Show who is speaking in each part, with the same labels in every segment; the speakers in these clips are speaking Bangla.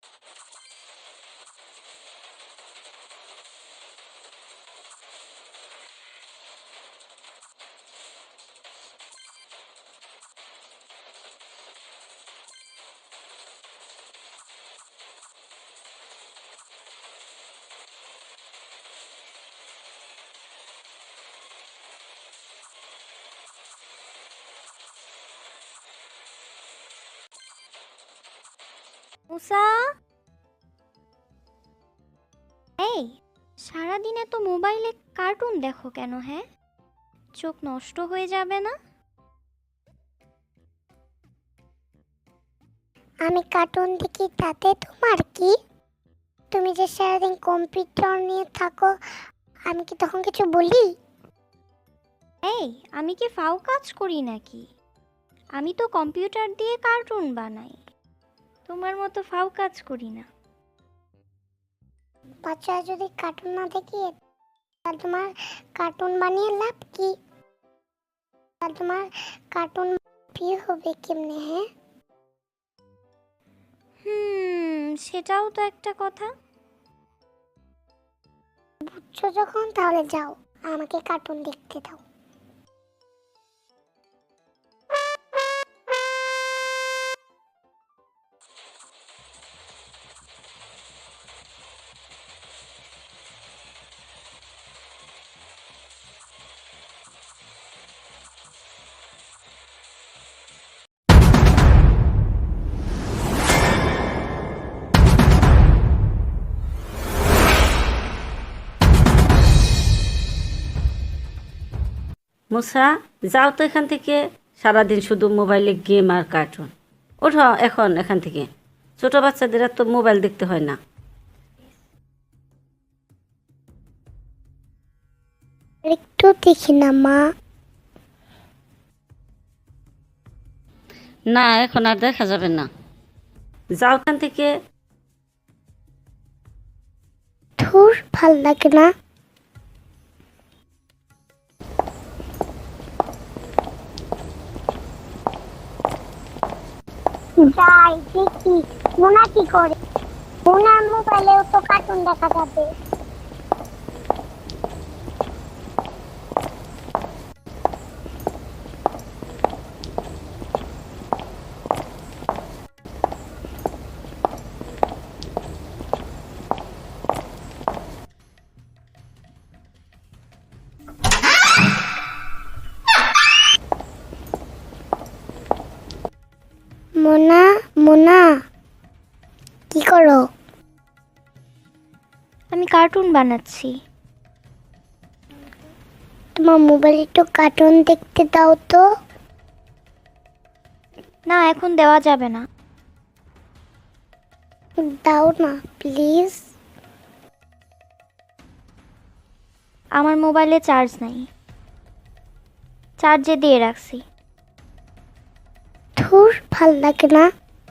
Speaker 1: মুসা, এই সারাদিনে তো মোবাইলে কার্টুন দেখো কেন? হ্যাঁ, চোখ নষ্ট হয়ে যাবে না?
Speaker 2: আমি কার্টুন দেখি তাতে তোমার কি? তুমি যে সারাদিন কম্পিউটার নিয়ে থাকো, আমি কি তখন কিছু বলি?
Speaker 1: এই, আমি কি ফাও কাজ করি নাকি? আমি তো কম্পিউটার দিয়ে কার্টুন বানাই, তোমার মতো ফাও কাজ করি না।
Speaker 2: বাচ্চারা যদি কার্টুন না দেখি তাহলে তোমার কার্টুন বানিয়ে লাভ কি? তাহলে তোমার কার্টুন প্রিয় হবে কেমনে? হ্যাঁ,
Speaker 1: সেটাও তো একটা কথা।
Speaker 2: বুঝছো যখন তাহলে যাও, আমাকে কার্টুন দেখতে দাও।
Speaker 3: মুসা, যাও তো এখান থেকে। সারাদিন শুধু মোবাইলে গেম আর কার্টুন। ওঠো এখন এখান থেকে। ছোট বাচ্চাদের তো মোবাইল দেখতে হয় না।
Speaker 2: একটু দেখি না মা।
Speaker 3: না, এখন আর দেখা যাবে না। যাও এখান থেকে।
Speaker 2: ধুর, ভাল লাগে না। যাই দেখি মোনা কি করে। মোনার মোবাইলেও তো কার্টুন দেখা যাবে। মোনা, মোনা কি করো?
Speaker 1: আমি কার্টুন বানাচ্ছি।
Speaker 2: তোমার মোবাইলে একটু কার্টুন দেখতে দাও তো।
Speaker 1: না, এখন দেওয়া যাবে না।
Speaker 2: দাও না প্লিজ।
Speaker 1: আমার মোবাইলে চার্জ নাই, চার্জে দিয়ে রাখছি।
Speaker 2: ধুর, ভাল লাগে না।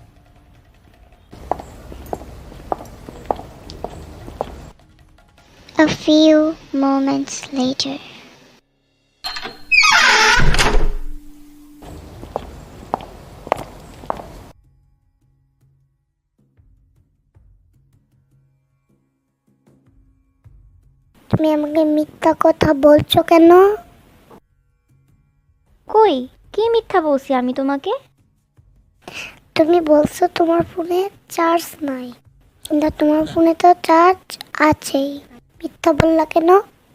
Speaker 2: A few moments later. তুমি আমাকে মিথ্যা কথা বলছো কেন?
Speaker 1: কই, কি মিথ্যা বলছি আমি তোমাকে?
Speaker 2: তুমি বলছো তোমার ফোনে চার্জ নাই, কিন্তু তোমার ফোনে তো চার্জ আছেই। মিথ্যা বললা কেন?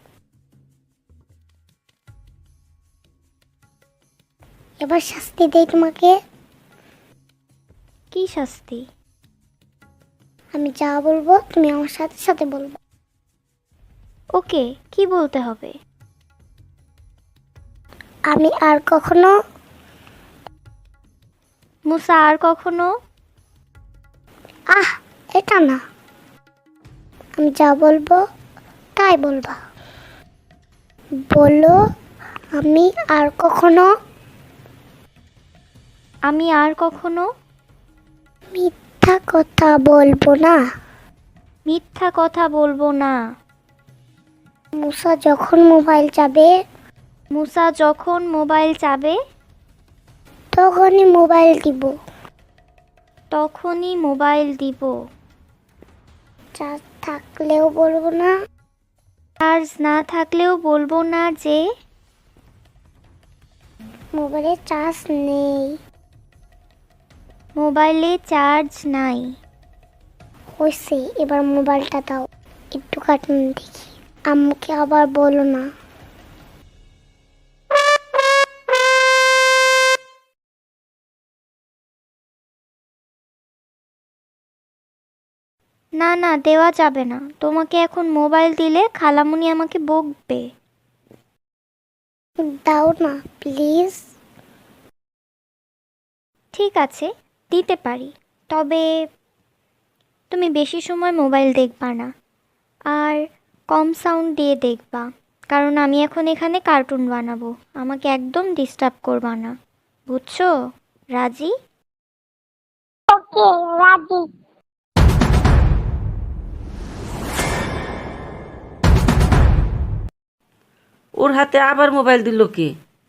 Speaker 2: এবার শাস্তি দেই তোমাকে।
Speaker 1: কি শাস্তি?
Speaker 2: আমি যা বলবো তুমি আমার সাথে সাথে বলবো।
Speaker 1: ওকে, কি বলতে হবে?
Speaker 2: আমি আর কখনো
Speaker 1: মুসা, আর কখনো।
Speaker 2: এটা না, আমি যা বলবো তাই বলবা। বলো, আমি আর কখনো মিথ্যা কথা বলবো না।
Speaker 1: মিথ্যা কথা বলবো না।
Speaker 2: মুসা যখন মোবাইল চাবে তখনই মোবাইল দিব। চার্জ থাকলেও বলবো না।
Speaker 1: চার্জ না থাকলেও বলবো না যে
Speaker 2: মোবাইলে চার্জ নেই।
Speaker 1: মোবাইলে চার্জ নাই।
Speaker 2: হয়েছে, এবার মোবাইলটা দাও, একটু কার্টুন দেখি। আম্মুকে আবার বলো না।
Speaker 1: না না, দেওয়া যাবে না। তোমাকে এখন মোবাইল দিলে খালামুনি আমাকে বকবে।
Speaker 2: দাও না প্লিজ।
Speaker 1: ঠিক আছে, দিতে পারি, তবে তুমি বেশি সময় মোবাইল দেখবা না, আর কম সাউন্ড দিয়ে দেখবা, কারণ আমি এখন এখানে কার্টুন বানাবো। আমাকে একদম ডিস্টার্ব করবা না, বুঝছো? রাজি?
Speaker 2: ওকে, রাজি।
Speaker 3: ওর হাতে আবার মোবাইল দিল কি?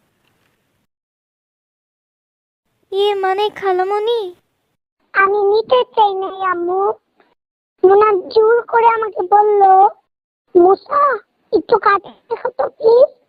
Speaker 1: ইয়ে মানে খালামুনি,
Speaker 2: আমি নিতে চাই না আম্মু। মোনা জোর করে আমাকে বললো, মুসা একটু কাটে দেখো তো প্লিজ।